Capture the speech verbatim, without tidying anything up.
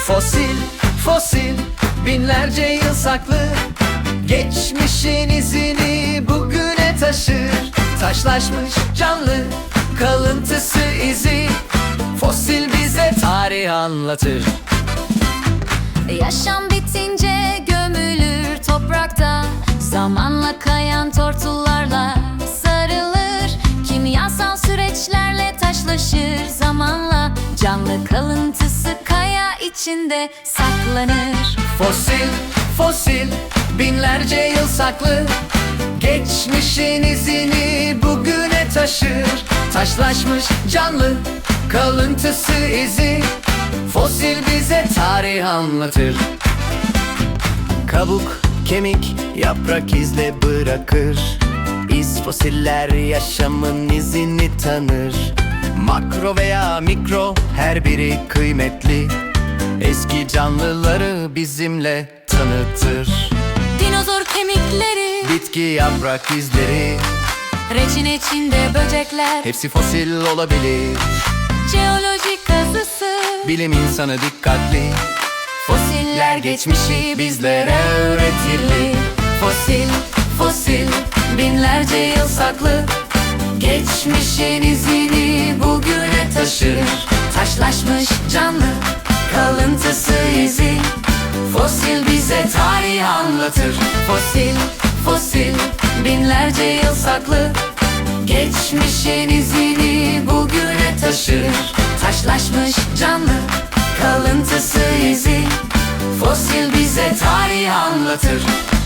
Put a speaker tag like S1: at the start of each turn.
S1: Fosil, fosil, binlerce yıl saklı, geçmişin izini bugüne taşır. Taşlaşmış canlı, kalıntısı izi, fosil bize tarih anlatır.
S2: Yaşam bitince gömülür toprakta, zamanla kayan tortullarla sarılır. Kimyasal süreçlerle taşlaşır zamanla, canlı kalıntısı kaya içinde saklanır.
S1: Fosil, fosil, binlerce yıl saklı, geçmişin izini bugüne taşır. Taşlaşmış canlı, kalıntısı izi, fosil bize tarih anlatır. Kabuk, kemik, yaprak izle bırakır. Biz fosiller yaşamın izini tanır. Makro veya mikro, her biri kıymetli, eski canlıları bizimle tanıtır.
S2: Dinozor kemikleri,
S1: Bitki yaprak izleri,
S2: reçin içinde böcekler,
S1: hepsi fosil olabilir.
S2: jeoloji kazısı,
S1: Bilim insanı dikkatli,
S2: fosiller geçmişi bizlere öğretirli.
S1: Fosil, fosil, binlerce yıl saklı, geçmişin izini bugüne taşır.
S2: Taşlaşmış canlı,
S1: Kalıntısı izi, fosil bize tarih anlatır. Fosil, fosil, binlerce yıl saklı, geçmişin izini bugüne taşır.
S2: taşlaşmış canlı,
S1: Kalıntısı izi, fosil bize tarih anlatır.